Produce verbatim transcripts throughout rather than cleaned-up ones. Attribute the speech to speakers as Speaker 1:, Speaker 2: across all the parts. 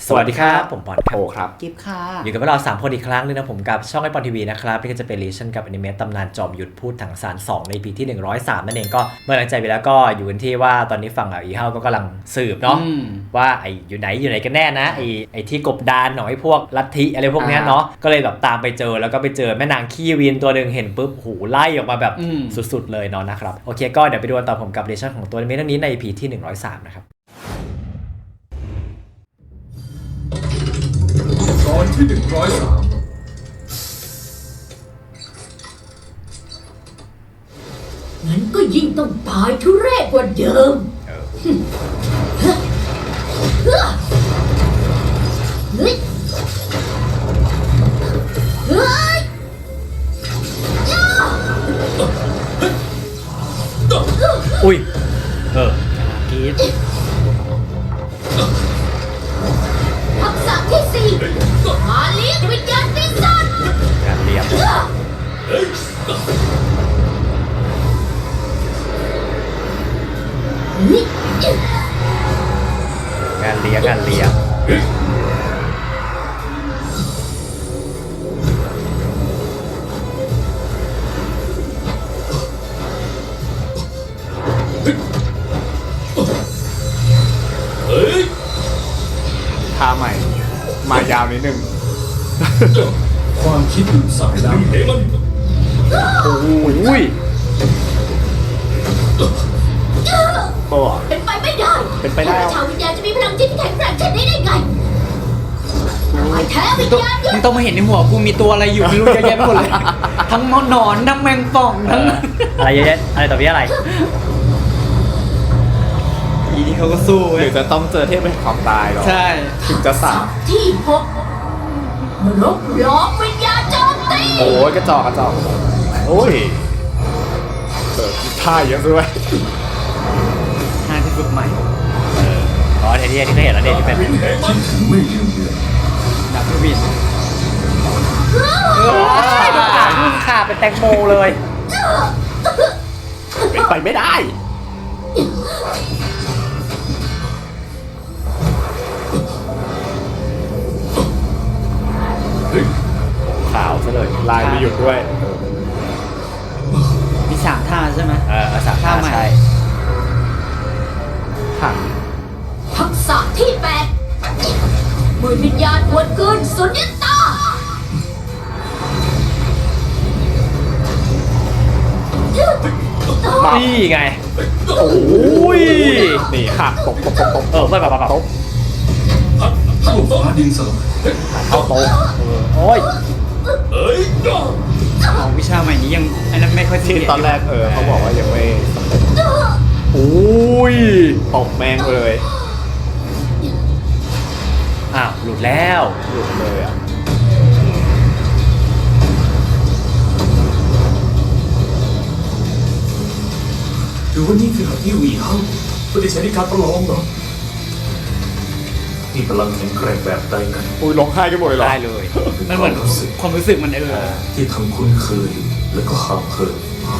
Speaker 1: สวัสดีครับผมปอนครับ
Speaker 2: โอครับ
Speaker 3: กิฟค่ะ
Speaker 1: อยู่กับเราสามคนอีกครั้งนึงนะผมกับช่องไอปอนทีวีนะครับนี่ก็จะเป็นรีชั่นกับอนิเมะตำนานจอมยุทธพูดถังสารสองใน ปี ที่หนึ่งร้อยสามนั่นเองก็เมื่อหลังใจไปแล้วก็อยู่กันที่ว่าตอนนี้ฝั่งอีเฮาก็กำลังสืบเนาะว่าไออยู่ไหนอยู่ไหนกันแน่นะไอไอที่กบดานหน่อยพวกลัทธิอะไรพวกนี้เนาะก็เลยแบบตามไปเจอแล้วก็ไปเจอแม่นางขี้วินตัวหนึ่งเห็นปุ๊บหูไล่ออกมาแบบสุดๆเลยเนาะนะครับโอเคก็เดี๋ยวไปดูกันต่อผมกับรีชั่นของตัวอนิเมะเรื่องนี้ใน อี พี ที่หนึ่งร้อยสามนะครับ
Speaker 4: ตอนที่หนึ่งร้อยสาม
Speaker 5: งั้นก็ยิ่งต้องตายทุเรศกว่าเดิมเฮ้ยเฮ้ย
Speaker 1: อุ้ยเออกีด
Speaker 5: ทักษะที่สี่มาเลี้ยงวิญญาณปีศาจ
Speaker 1: การเลี้ยงการเลี้ยงการเลี้ยง
Speaker 2: ท่าใหม่มายาวนิดนึง
Speaker 4: ความคิดถึงสายน้ำเฮมัน
Speaker 1: โอ้ยโอ้
Speaker 5: เป็นไปไม่ได้
Speaker 1: เป็นไปได้
Speaker 5: พระชาววิญญาณจะมีพลังจิตที่แข็งแกร่งเช่นนี้ได้ไงตายแท้วิญญาณ
Speaker 3: มึงต้องมาเห็นในหัวกูมีตัวอะไรอยู่ไม่รู้เยอะแยะไปหมดเลย ทั้งหนอนทั้งแมงป่องทั้ง
Speaker 1: อะไรเยอะๆอะไรต่อพี่อะไร
Speaker 3: อีนี่เขาก็สู้
Speaker 2: หรือจะต้องเจอเทพเป็นความตายหรอ
Speaker 3: ใช่
Speaker 2: ถึงจะสาม
Speaker 5: ที่หกนรกล้อมวิญญาณโจมตี
Speaker 2: โอ้ยกระจอกกระจอกโอ้ยเกิดท่าเยอะด้วย
Speaker 3: หาที่ฝึกใหม่
Speaker 1: อ๋อเทที่ที่เคยเห็นแล้วเนี่ยที่เป็น
Speaker 4: วินแห่งคิดถึงไม่ลืมเลือน
Speaker 3: ดับเบิลวิน
Speaker 1: ขาเป็นแตงโมเลย
Speaker 2: เป็นไปไม่ได้ขาวซะเลยลายไม่หยุดด้วย
Speaker 3: มีสามท่าใช่ไหม
Speaker 1: เออสามท่าใช่
Speaker 2: หัน
Speaker 5: ทักษะที่แปดมือวิญญาณหวนคืนสุญญตา
Speaker 1: นี่ไงโอ้ย
Speaker 2: นี่หักตบตบตบตบ
Speaker 1: เออไม่แบบแบบ
Speaker 2: ตบ
Speaker 4: เข้าฟ้าดินสลาย
Speaker 1: เอาโต๊ะเออโอ้ย
Speaker 4: เอ้ย
Speaker 3: เอาวิชาใหม่นี้ยังอันนั้นไม่ค่อย
Speaker 2: ที่
Speaker 3: เท่
Speaker 2: ตอนแรกเออเขาบอกว่ายังไม่สำเร็จ
Speaker 1: โอ้ย
Speaker 2: ตบแมงเลย
Speaker 1: อ้าวหลุดแล้ว
Speaker 2: หลุดเลยอ่ะ
Speaker 4: หรือว่านี่คือหาที่วีเฮาไม่ได้ใช้ในการประลองเหรอนี่พลังแข็งแกร่งแบบใดกัน
Speaker 2: อุ้ยร้องไห้กันหมดเลยเหรอ
Speaker 1: ได้เลย
Speaker 3: มันเหมือนความรู้สึกมันเออ
Speaker 4: ที่ทั้งคุ้นเคยและก็ห่างเหิน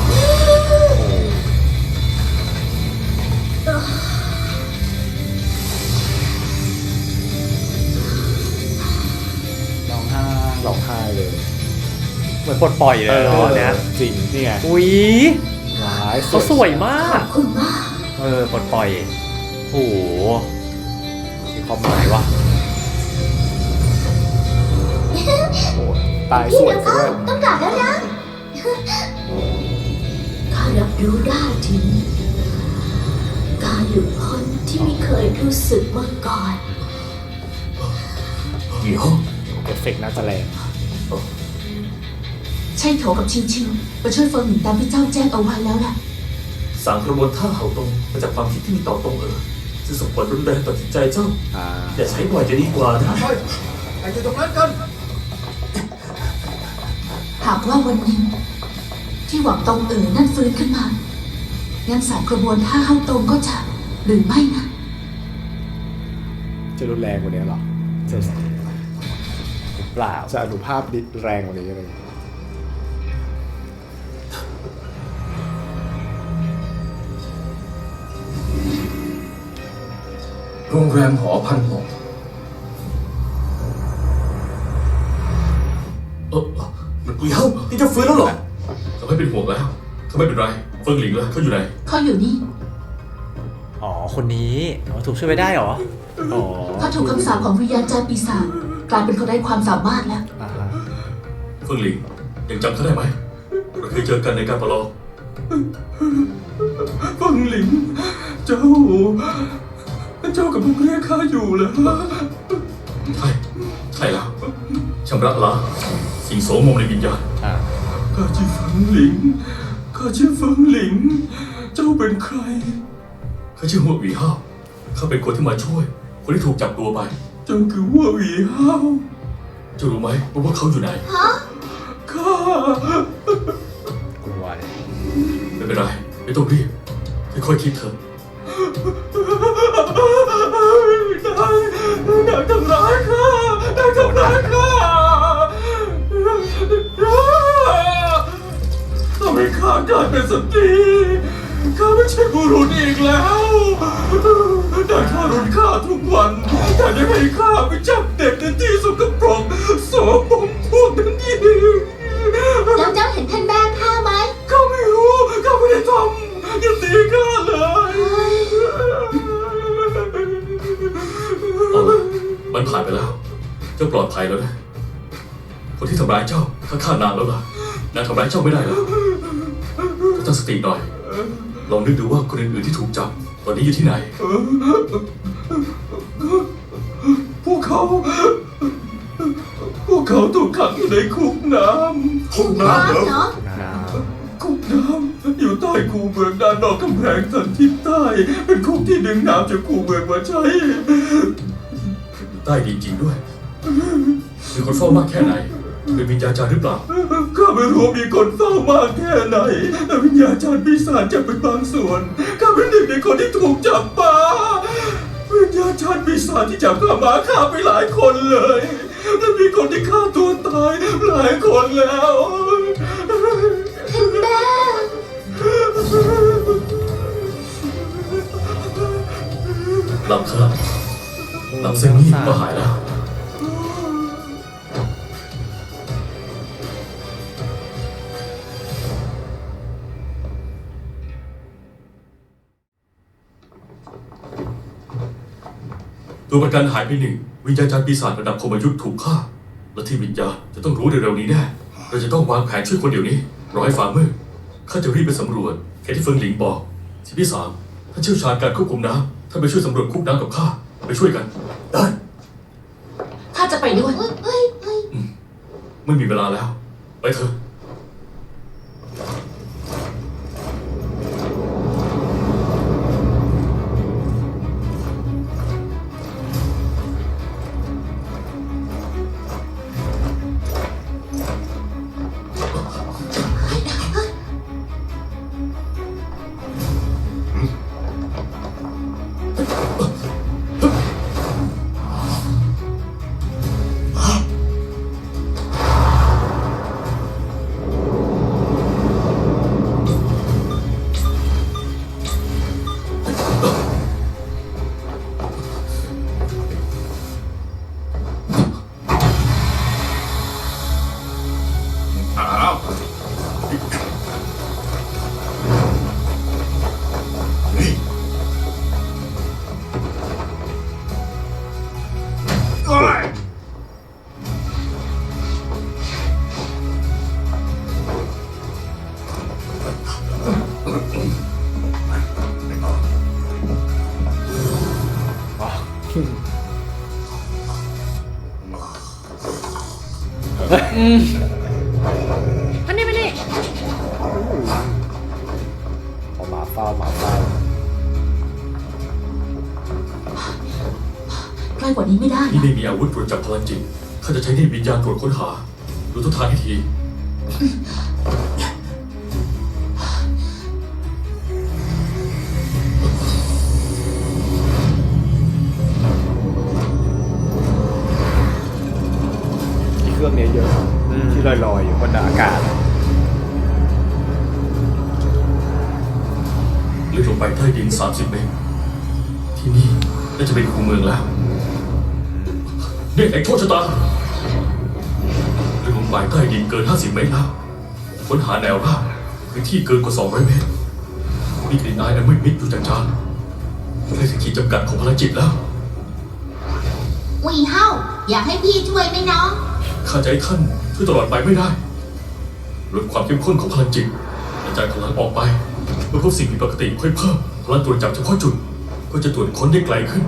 Speaker 3: ร้องไห้
Speaker 2: ร้องไห้เลย
Speaker 1: เหมือนปลดปล่อยเลยเนาะเนี่ย
Speaker 2: จริงนี่ไง
Speaker 1: อุ้ย
Speaker 2: ร้าย
Speaker 1: เขาสวยมาก
Speaker 5: คุณมาก
Speaker 1: เออปลดปล่อยโอ้โหมีความหมายวะ
Speaker 2: โอ้ยตายสวยซะด้วย
Speaker 5: ต้องกลับแล้วนะข้ารับรู้ได้ถึงการหลุดพ้นที่ไม่เคยรู้สึกมาก่อน
Speaker 4: วีเฮา
Speaker 2: เอฟเฟกต์น่าจะแรง
Speaker 5: ใช่โถกับชิงชิงมาช่วยเฟิงหมิงตามที่เจ้าแจ้งเอาไว้แล้วล่ะ
Speaker 4: สางกระบวนท่าเห่าตรงมาจากความคิดที่มีต่อตรงเออจะส่งผลรุนแรงต่อจิตใจเจ้า
Speaker 2: อ่า
Speaker 4: อย่าใช้บ่อยจะดีกว่านะ
Speaker 6: ไอ้อยู่ตรงนั้นกัน
Speaker 5: หากว่าวันหนึ่งที่หวังตรงเอ๋อนั่นฟื้นขึ้นมางั้นสารกระบวนท่าเข้าตรงก็จะหรือไม่นะ
Speaker 2: จะรุนแรงกว่านี้เหรอ
Speaker 1: จะเปล่า
Speaker 2: จะอนุภาพดิแรงกว่านี้อะไร
Speaker 4: โรงแรมหอพันหกกุยเฮานี่จะฟื้นแล้วเหรอเขาไม่เป็นห่วงแล้วเขาไม่เป็นไรเฟิงหลิงแล้วเขาอยู่ไหน
Speaker 5: เขาอยู่นี่
Speaker 1: อ๋อคนนี้อ๋อถูกช่วยไว้ได้เหรออ๋อ
Speaker 5: เขาถูกคำสาปของวิญญาณจารย์ปีศาจกลายเป็นคนไร้ความสามารถแล้ว
Speaker 1: อ่าฮะ
Speaker 4: เฟิงหลิงยังจำเขาได้ไหมเราเคยเจอกันในการประลองเฟิงหลิงเจ้าเจ้ากำลังเรียกข้าอยู่เหรอใช่ใช่แล้วชำระล้างสิ่งโสมมในวิญญาณ
Speaker 1: อ่า
Speaker 4: ข้าชื่อเฟิงหลิงข้าชื่อเฟิงหลิงเจ้าเป็นใครข้าชื่อหัวหวีห้าวข้าเป็นคนที่มาช่วยคนที่ถูกจับตัวไปเจ้าคือหัวหวีห้าวเจ้ารู้ไหมว่าพวกเขาอยู่ไหนฮะข้าก
Speaker 1: ลัวเลย
Speaker 4: ไม่เป็นไรไม่ต้องรีบค่อยๆคิดเถอะนายนายทำร้ายข้านายทำร้ายข้าทำให้ข้ากลายเป็นสตรีข้าไม่ใช่บุรุษอีกแล้วนายข้ารุนข้าทุกวันแต่ยังให้ข้าไปจับเด็กในที่สกปรกโสมมพวกนั้นอีก
Speaker 5: แล้วเจ้าเห็นท่านแม่ข้าไหม
Speaker 4: ข้าไม่รู้ข้าไม่ได้ทำอย่าตีข้าเลยเอาละมันผ่านไปแล้วเจ้าปลอดภัยแล้วนะคนที่ทำร้ายเจ้าข้าฆ่านานแล้วล่ะนางทำร้ายเจ้าไม่ได้แล้วตั้งสติหน่อยลองนึกดูว่าคนอื่นๆที่ถูกจับตอนนี้อยู่ที่ไหนพวกเขาพวกเขาถูกขังอยู่ในคุกน้ำคุกน้ำเหรอ
Speaker 5: เนาะ
Speaker 1: น้
Speaker 4: คุกน้ำอยู่ใต้คูเมืองด้านนอกกำแพงสันทิศใต้เป็นคุกที่ดึงน้ำจากคูเมืองมาใช้ใต้ดินจริงด้วยมีคนเฝ้ามากแค่ไหนเป็นวิญญาจารย์หรือเปล่าข้าไม่รู้มีคนเฝ้ามากแค่ไหนแต่วิญญาจารย์ปีศาจจะเป็นบางส่วนข้าเป็นหนึ่งในคนที่ถูกจับมาวิญญาจารย์ปีศาจที่จับข้ามาฆ่าไปหลายคนเลยและมีคนที่ฆ่าตัวตายหลายคนแล้ว
Speaker 5: ท่านแม่
Speaker 4: หลับครับหลับเส้นนี้ก็หายแล้วตัวประกันหายไปหนึ่งวิญญาณจารย์ปีศาจระดับคมยุทธ์ถูกฆ่าและที่วิญญาณจะต้องรู้เร็วๆนี้แน่เราจะต้องวางแผนช่วยคนเดี๋ยวนี้รอให้ฟ้ามืดข้าจะรีบไปสำรวจแค่ที่เฟิงหลิงบอกที่พี่สามท่านเชี่ยวชาญการควบคุมน้ำท่านไปช่วยสำรวจคุกน้ำกับข้าไปช่วยกันได้
Speaker 5: ข้าจะไปด้วย
Speaker 4: ไม่มีเวลาแล้ว ไปเถอะ
Speaker 1: อันนี้ไม่นี่เอาหมาเฝ้าหมาเฝ้า
Speaker 5: ใกล้กว่านี้ไม่ได้
Speaker 4: นี่ไม่มีอาวุธตรวจจับพลังจิตข้าจะใช้นี่วิญญาณตรวจค้นหา ดูทุกทางให้ที
Speaker 2: มีเครื่องนี้เยอะที่ลอยๆอยู่บนอากาศ
Speaker 4: ลึกลงไปใต้ดิน สามสิบ เมตร ที่นี่น่าจะเป็นคูเมืองแล้วเรียกไอ้โชคชะตาเรื่องของหมายใต้ดินเกินห้าสิบเมตรแล้วค้นหาแนวราบพื้นที่เกินกว่าสองร้อยเมตรมีกลิ่นอายอันมืดมิดอยู่จางๆใกล้ถึงขีดจำกัดของพลังจิตแล้ว
Speaker 5: วีเฮาอยากให้พี่ช่วยไหมน้อง
Speaker 4: ข้าจะให้ท่านช่วยตลอดไปไม่ได้ลดความเข้มข้นของพลังจิตกระจายพลังออกไปเมื่อพบสิ่งผิดปกติค่อยเพิ่มพลังตรวจจับเฉพาะจุดก็จะตรวจค้นได้ไกลขึ้น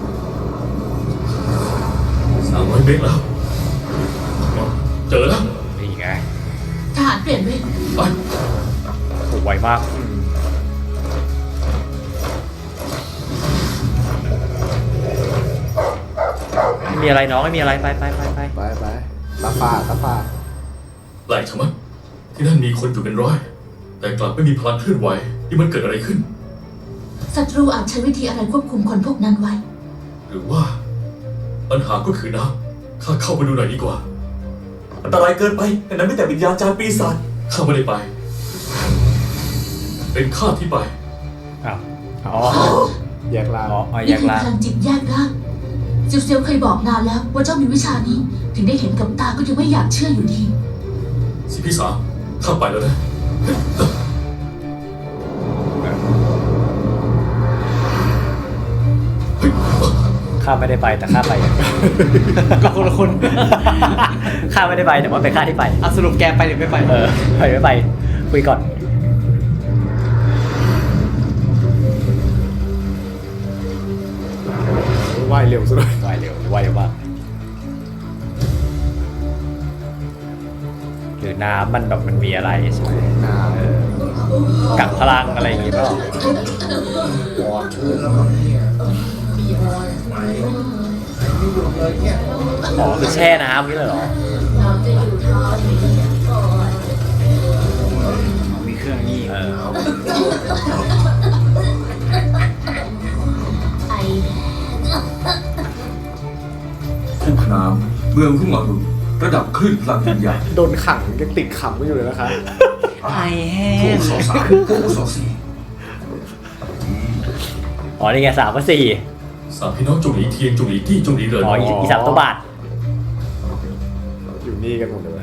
Speaker 4: สามร้อยเมตรแล้วเจอแล้ว
Speaker 1: นี่ไง
Speaker 5: ทหารเปลี่ยนเวร
Speaker 4: ไป
Speaker 1: โอ้ไวมากไม่มีอะไรน้องไม่มีอะไรไปไปไปไป
Speaker 2: ไปไปตาฟ้าตาฟ้า
Speaker 4: แปลกชะมัดที่นั่นมีคนอยู่เป็นร้อย แต่กลับไม่มีพลังเคลื่อนไหวนี่มันเกิดอะไรขึ้น
Speaker 5: ศัตรูอาจใช้วิธีอะไรควบคุมคนพวกนั้นไว้
Speaker 4: หรือว่า ปัญหาก็คือน้ำข้าเข้าไปดูหน่อยดีกว่า
Speaker 6: อันตรายเกินไปแต่นั้นไม่แต่วิญญาณจารย์ปีศาจ
Speaker 4: ข้าไม่ได้ไป เป็นข้าที่ไป
Speaker 1: อ้าว
Speaker 2: อ๋อแยกล่าง
Speaker 1: อ๋ออ๋อแย
Speaker 5: นี่
Speaker 1: ก
Speaker 5: คือ
Speaker 1: ล่าง
Speaker 5: พลังจิตแยกร่างเซียวเซียวเคยบอกนานแล้วว่าเจ้ามีวิชานี้ ถึงได้เห็นกับตาก็ยังไม่อยากเชื่ออยู่ดี
Speaker 4: สิพี่สาวข้าไปแล้วนะ
Speaker 1: ข้าไม่ได้ไปแต่ข้าไป
Speaker 3: ก็คนละคน
Speaker 1: ข้าไม่ได้ไปแต่ว่าเป็นข้าที่ไป
Speaker 3: อ่ะสรุปแกไปหรือไม่ไป
Speaker 1: เออไปไม่ไปคุยก่อน
Speaker 2: ว่ายเร็วซะด้วย
Speaker 1: ไวเร็วไวเร็วมากหรือน้ำมันแบบมันมีอะไรใช่ไหม
Speaker 2: น้
Speaker 1: เออกักพลังอะไรอย่างงี้เปล่าอ๋อคือแช่น้ำนี่เลยเหรอ
Speaker 3: มีเครื่องนี่
Speaker 1: เออ
Speaker 4: ทุ่งน้ำเมืองทุ่งมารุระดับคลื่นพลังวิญญาณ
Speaker 2: ำโดนขังยังติดขำไม่อยู่เลยนะคะ
Speaker 3: ไอแห้
Speaker 4: ผู้
Speaker 3: ง
Speaker 4: สองสามผู้สองสี่
Speaker 1: อ๋อนี่ไงสามกับสี่
Speaker 4: สามพี่น้องจงหลีเทียนจงหลีตี้จงหลีเหริน
Speaker 1: อ๋ออีอีสามตัวบาท
Speaker 2: อยู่นี่กันหมดเลย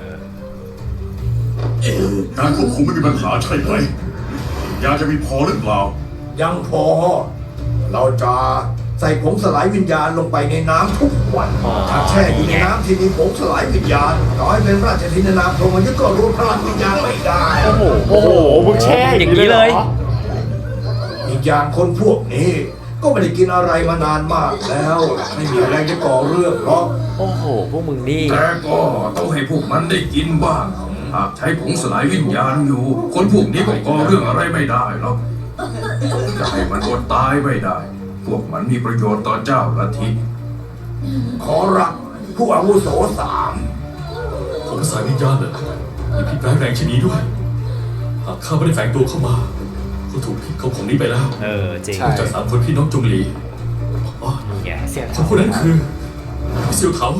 Speaker 7: การควบคุมไม่มีปัญหาใช่ไหมยาจะมีพอหรือเปล่า
Speaker 8: ยังพอ เราจะใส่ผงสลายวิญญาณลงไปในน้ำทุกวัน ถ้าแช่อยู่ในน้ำที่มีผงสลายวิญญาณต่อให้เป็นราชธินนามพรหมยุทธ์ก็รวมพลังวิญญาณไม่ได้
Speaker 2: โอ้โหโอ้โหมึงแช่
Speaker 1: อย่างนี้เลย
Speaker 2: หรอ
Speaker 8: อีกอย่างคนพวกนี้ ก็ไม่ได้กินอะไรมานานมากแล้ว ไม่มีแรงจะก่อเรื่องหรอก
Speaker 1: โอ้โหพวกมึงนี่
Speaker 4: แต่ก็ต้องให้พวกมันได้กินบ้าง หากใช้ผงสลายวิญญาณอยู่ คนพวกนี้ก็ก่อเรื่องอะไรไม่ได้หรอกจะให้มันอดตายไม่ได้ พวกมันมีประโยชน์ต่อเจ้าลัทธิ
Speaker 8: ขอรับผู้อาวุโสสาม
Speaker 4: ผมสายวิญญาณเหรอมีพิษร้ายแรงชนิดด้วย หากข้าไม่ได้แฝงตัวเข้ามาก็ถูกพิษของผมนี้ไปแล้ว
Speaker 1: เออจริง
Speaker 4: จากสามคนพี่น้องจงหลีอ๋อ
Speaker 1: นี่ไงเสีย
Speaker 4: คนพวกนั้นคือพี่เซียวเถา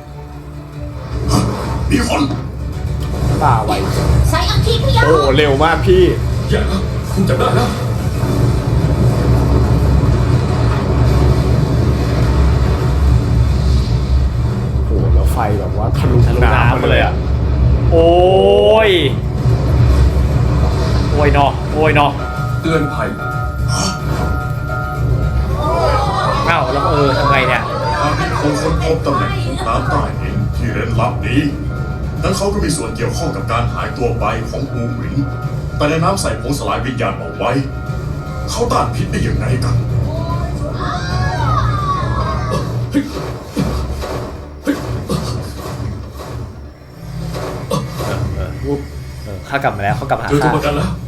Speaker 7: มีคน
Speaker 2: ตาไว
Speaker 5: ใช้อังคีพยา
Speaker 2: โอ้โหเร็วมากพี่
Speaker 4: อย่าแล้วคุณจับได้แล้ว
Speaker 2: โอ้โหแล้วไฟแบบว่าทะลุ
Speaker 1: ทะลุ
Speaker 2: น้ำ
Speaker 1: น้ำ
Speaker 2: มา
Speaker 1: มา
Speaker 2: เล
Speaker 1: เลย ย
Speaker 2: อ่ะ
Speaker 1: อ่ะ โอ้ย โอ้ยเนาะโอ้ยเนาะ
Speaker 4: เตือนภัย
Speaker 1: อ้าวแล้วเออทำไงเนี่ย
Speaker 7: หากมีคนค้นพบตำแหน่งของน้ำใต้ดินที่เร้นลับนี้นั้นเขาก็มีส่วนเกี่ยวข้องกับการหายตัวไปของหูหวินแต่ในน้ำใส่ผงสลายวิญญาณเอาไว้ เขาต้านพิษได้ยังไงกัน
Speaker 1: วูบเออข้ากลับมาแล้วเขากลับมาหา
Speaker 4: เจอตัว
Speaker 1: ข้า
Speaker 4: ประกันแล้ว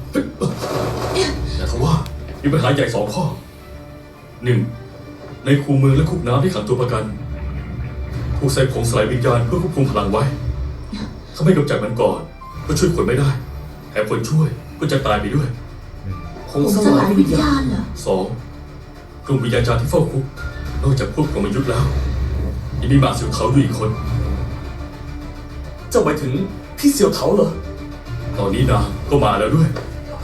Speaker 4: แต่ทว่ามีปัญหาใหญ่สองข้อหนึ่งในคูเมืองและคุกน้ำที่ขังตัวประกันถูกใส่ผงสลายวิญญาณเพื่อควบคุมพลังไว้ ถ้าไม่กำจัดมันก่อน ก็ช่วยคนไม่ได้แถมคนช่วยก็จะตายไปด้วย
Speaker 5: ผงสลายวิญญาณเหรอ
Speaker 4: สองกลุ่มวิญญาณจารย์ที่เฝ้าคุกนอกจากพวกกรมยุทธ์แล้วยังมีหมาเสียวเขาอยู่อีกคน
Speaker 6: เจ้าหมายถึงพี่เซียวเถาเหรอ
Speaker 4: ตอนนี้นางก็มาแล้วด้วย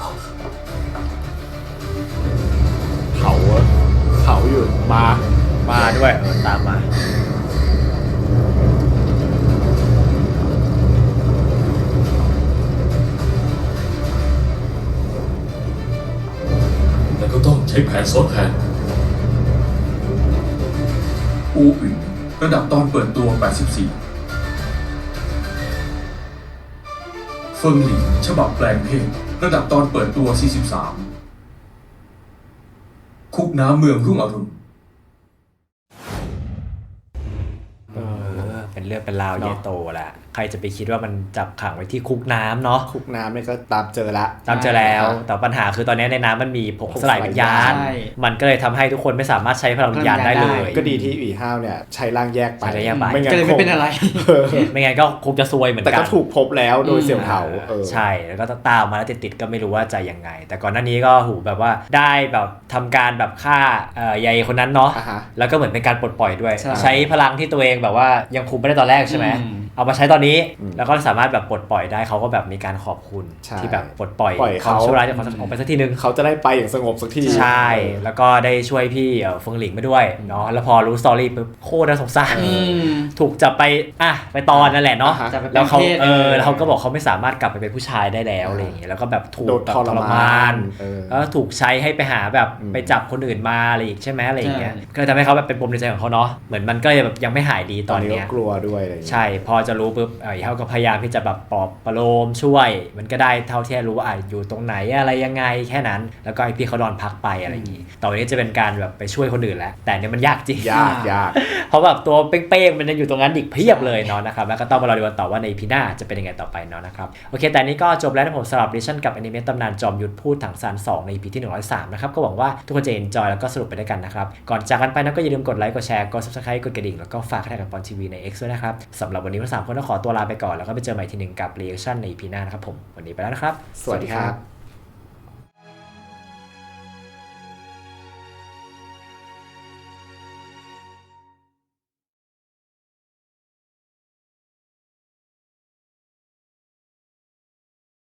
Speaker 2: เผาอะเผาอยู่มา
Speaker 1: มาด้วยเออตามมา
Speaker 4: ใช้แผนซ้อนแผนอูอึ่งระดับตอนเปิดตัว แปดสิบสี่ เฟิงหลิงฉบับแปลงเพศระดับตอนเปิดตัว สี่สิบสาม คุกน้ำเมืองรุ่งอรุณ
Speaker 1: เออเป็นเรื่องเป็นราวใหญ่โตแหละใครจะไปคิดว่ามันจับขังไว้ที่คุกน้ำเนาะ
Speaker 2: คุกน้ำเนี่ยก็ตามเจอละ
Speaker 1: ตามเจอแล้วแต่ปัญหาคือตอนนี้ในน้ำมันมีผงสลายวิญญาณ
Speaker 3: ใช่
Speaker 1: มันก็เลยทำให้ทุกคนไม่สามารถใช้พลังวิญญาณได้เลย
Speaker 2: ก็ดีที่อีห้าวเนี่ยใช้ร่างแยกไป
Speaker 1: ใช้ร่างแยกไป
Speaker 2: ไม่งั้น
Speaker 3: ก็เลยไม่เป็นอะไร
Speaker 2: เออ
Speaker 1: ไม่งั้นก็คงจะซวยเหมือน
Speaker 2: แต่
Speaker 1: กั
Speaker 2: ก็
Speaker 1: น
Speaker 2: ถูกพบแล้วโดยเสี่ยวเถาเออ
Speaker 1: ใช่แล้วก็ตามมาแล้วติดๆก็ไม่รู้ว่าจะยังไง แต่ก่อนหน้านี้ก็หูแบบว่าได้แบบทำการแบบฆ่าเอ่อยายคนนั้นเนาะ
Speaker 2: อ่าฮะ
Speaker 1: แล้วก็เหมือนเป็นการปลดปล่อยด้วย
Speaker 3: ใช่
Speaker 1: ใช้พลังที่ตัวเองแบบว่ายังคุมไม่ได้ตอนแรกใช่ไหม
Speaker 3: อืม
Speaker 1: เอามาใช้ตอนนี้
Speaker 2: อืม
Speaker 1: แล้วก็สามารถแบบปลดปล่อยได้เขาก็แบบมีการขอบคุณ
Speaker 2: ใช่
Speaker 1: ที่แบบปลดปล่อย
Speaker 2: ปล่อย
Speaker 1: ความ
Speaker 2: เขา
Speaker 1: ชั่วร้ายจากความสงบไปสักทีนึง
Speaker 2: เขาจะได้ไปอย่างสงบสักที
Speaker 1: ใช่
Speaker 2: เออ
Speaker 1: แล้วก็ได้ช่วยพี่เอ่อเฟิงหลิงไปด้วยเนาะแล้วพอรู้สตอรี่ปุ๊บโคตรน่าสงสาร
Speaker 3: อืม
Speaker 1: ถูกจับไปอ่ะไปตอนนั่นแหละเนาะ
Speaker 2: อ่าฮะ
Speaker 3: จับไปเป็น
Speaker 1: แล้วเขา
Speaker 3: เพศ
Speaker 1: เออ
Speaker 3: เออ
Speaker 1: แล้วเขาก็บอกเขาไม่สามารถกลับไปเป็นผู้ชายได้แล้วอะไรอย่างเงี้ยแล้วก็แบบถูก
Speaker 2: โดน
Speaker 1: แบบ
Speaker 2: ทรมาน เออ
Speaker 1: แล้วถูกใช้ให้ไปหาแบบ
Speaker 2: อืม
Speaker 1: ไปจับคนอื่นมาอะไรอีกใช่ไหมอะไรอย่างเงี้ย
Speaker 3: ใช่
Speaker 1: ก็เลยทำให้เขาแบบเป็นปมในใจของเขาเนาะเหมือนมันก็เลยแบบยังไม่หายดีต
Speaker 2: ต
Speaker 1: อ
Speaker 2: อน นนี้
Speaker 1: เนี้
Speaker 2: ก็
Speaker 1: ย
Speaker 2: กลัวด้วยอะไรอย่างเงี้ย
Speaker 1: ใช่พอจะรู้ปุ๊บเออเขาก็พยายามที่จะแบบปลอบประโลมช่วย มันก็ได้เท่าที่รู้ว่าอ่ะอยู่ตรงไหนอะไรยังไงแค่นั้น แล้วก็ไอพี่เขานอนพักไปอะไรอย่างงี้ต่อไปนี้จะเป็นการแบบไปช่วยคนอื่นแล้วแต่เนี่ยมันยากจริง
Speaker 2: ยากยาก
Speaker 1: เพราะแบบตัวเป้งๆมันยังอยู่ตรงนั้นอีกเพียบเลยเนาะนะครับแล้วก็ต้องมารอดูกันต่อว่าในพีหน้าจะเป็นยังไงต่อไปเนาะนะครับโอเคแต่นี้ก็จบแล้วนะผมสำหรับดิชั่นกับอนิเมะตำนานจอมยุทธพูดถังซานสองใน อี พี ที่หนึ่งร้อยสามนะครับก็หวังว่าทุกคนจะ enjoy แล้วก็สรุปไปด้วยกันนะครับก่อนจากกันไปนะก็อย่าลืมกดไลค์กดแชร์กด subscribe กดกระดิ่งแล้วก็ฝากให้กับปอนทีวีใน X ด้วยนะครับสำหรับวันนี้เราสามคนต้องขอตัวลาไปก่อนแล้วก็ไปเจอใหม่ทีหนึ่งกับ reaction ใน อี พี หน้านะครับผมวันนี้ไปแล้วนะครับ
Speaker 2: สวัสดีครับ